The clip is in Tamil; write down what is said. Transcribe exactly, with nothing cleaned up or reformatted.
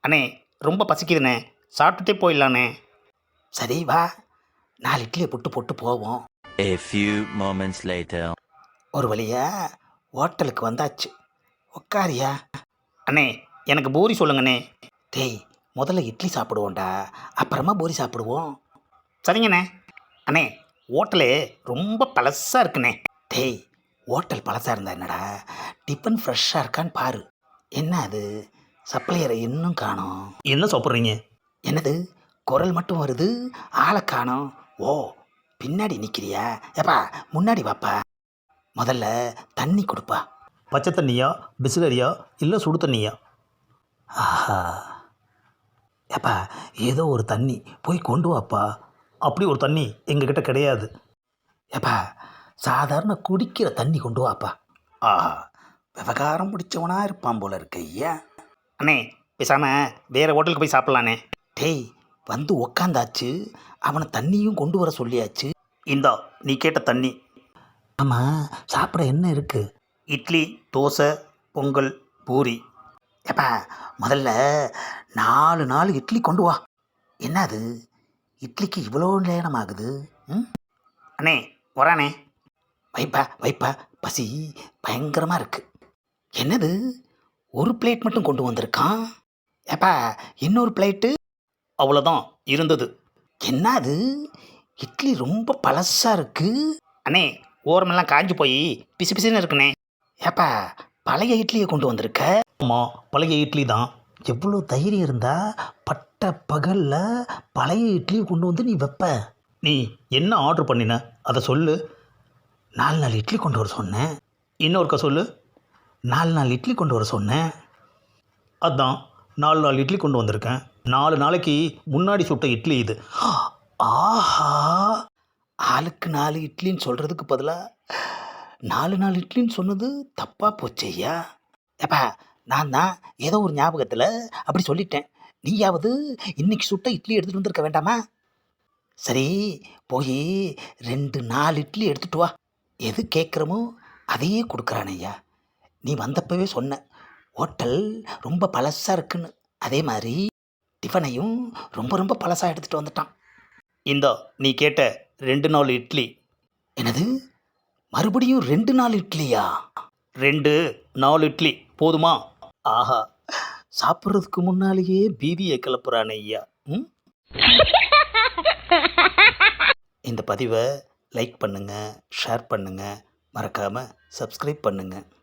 அண்ணே ரொம்ப பசிக்குதுண்ணே, சாப்பிட்டுட்டே போயிடலாண்ணே. சரி வா, நாலு இட்லியை புட்டு போட்டு போவோம். A few moments later. ஒரு வழியா ஹோட்டலுக்கு வந்தாச்சு. உக்காரியா. அண்ணே எனக்கு பூரி சொல்லுங்கண்ணே. டேய் முதல்ல இட்லி சாப்பிடுவோம்டா, அப்புறமா பூரி சாப்பிடுவோம். சரிங்கண்ணே. அண்ணே ஹோட்டலு ரொம்ப பழசாக இருக்குண்ணே. டேய் ஹோட்டல் பழசாக இருந்தா என்னடா, டிஃபன் ஃப்ரெஷ்ஷாக இருக்கான்னு பாரு. என்ன அது சப்ளையரை இன்னும் காணோம். என்ன சாப்பிட்றீங்க? என்னது குரல் மட்டும் வருது, ஆளை காணோம். ஓ பின்னாடி நிற்கிறியா? ஏப்பா முன்னாடி வாப்பா. முதல்ல தண்ணி கொடுப்பா. பச்சை தண்ணியா, பிஸ்லரியா, இல்லை சுடு தண்ணியா? ஆஹா ஏப்பா ஏதோ ஒரு தண்ணி போய் கொண்டு வாப்பா. அப்படி ஒரு தண்ணி எங்ககிட்ட கிடையாது. ஏப்பா சாதாரண குடிக்கிற தண்ணி கொண்டு வாப்பா. ஆஹா விவகாரம் பிடிச்சவனா இருப்பான் போல இருக்கு ஐயா. அண்ணே பேசாமல் வேறு ஹோட்டலுக்கு போய் சாப்பிட்லாண்ணே. டேய் வந்து உக்காந்தாச்சு, அவனை தண்ணியும் கொண்டு வர சொல்லியாச்சு. இந்தா நீ கேட்ட தண்ணி. ஆமாம் சாப்பிட என்ன இருக்குது? இட்லி, தோசை, பொங்கல், பூரி. ஏப்பா முதல்ல நாலு நாலு இட்லி கொண்டு வா. என்னது இட்லிக்கு இவ்வளோ நேரம் ஆகுது? ம் அண்ணே வரானே. வைப்பா வைப்பா, பசி பயங்கரமாக இருக்குது. என்னது ஒரு பிளேட் மட்டும் கொண்டு வந்திருக்கான். ஏப்பா இன்னொரு பிளேட்டு? அவ்வளோதான் இருந்தது. என்னது இட்லி ரொம்ப பழசாக இருக்குது. அண்ணே ஓரமெல்லாம் காஞ்சி போய் பிசு பிசுன்னு இருக்குண்ணே. ஏப்பா பழைய இட்லியை கொண்டு வந்திருக்க? ஆமாம் பழைய இட்லி தான். எவ்வளோ தைரியம் இருந்தா பட்ட பகலில் பழைய இட்லியை கொண்டு வந்து நீ வைப்ப? நீ என்ன ஆர்டர் பண்ணின அதை சொல்லு. நாலு நாலு இட்லி கொண்டு வர சொன்னேன். இன்னொருக்கா சொல்லு. நாலு நாலு இட்லி கொண்டு வர சொன்னேன். அதான் நாலு நாலு இட்லி கொண்டு வந்திருக்கேன். நாலு நாளைக்கு முன்னாடி சுட்ட இட்லி இது. ஆஹா ஆளுக்கு நாலு இட்லின்னு சொல்கிறதுக்கு பதிலாக நாலு நாலு இட்லின்னு சொன்னது தப்பாக போச்சு ஐயா. ஏப்பா நான் தான் ஏதோ ஒரு ஞாபகத்தில் அப்படி சொல்லிட்டேன். நீயாவது இன்னைக்கு சுட்ட இட்லி எடுத்துகிட்டு வந்திருக்க வேண்டாமா? சரி போய் ரெண்டு நாலு இட்லி எடுத்துகிட்டு வா. எது கேட்குறமோ அதையே கொடுக்குறான் ஐயா. நீ வந்தப்பவே சொன்ன ஹோட்டல் ரொம்ப பழசாக இருக்குன்னு. அதே மாதிரி டிஃபனையும் ரொம்ப ரொம்ப பழசாக எடுத்துகிட்டு வந்துட்டான். இந்தா நீ கேட்ட ரெண்டு நாலு இட்லி. என்னது மறுபடியும் ரெண்டு நாலு இட்லியா? ரெண்டு நாலு இட்லி போதுமா? ஆஹா சாப்பிட்றதுக்கு முன்னாலேயே பீதியை கிளப்புறானே ஐயா. ம் இந்த பதிவை லைக் பண்ணுங்கள், ஷேர் பண்ணுங்கள், மறக்காமல் சப்ஸ்கிரைப் பண்ணுங்கள்.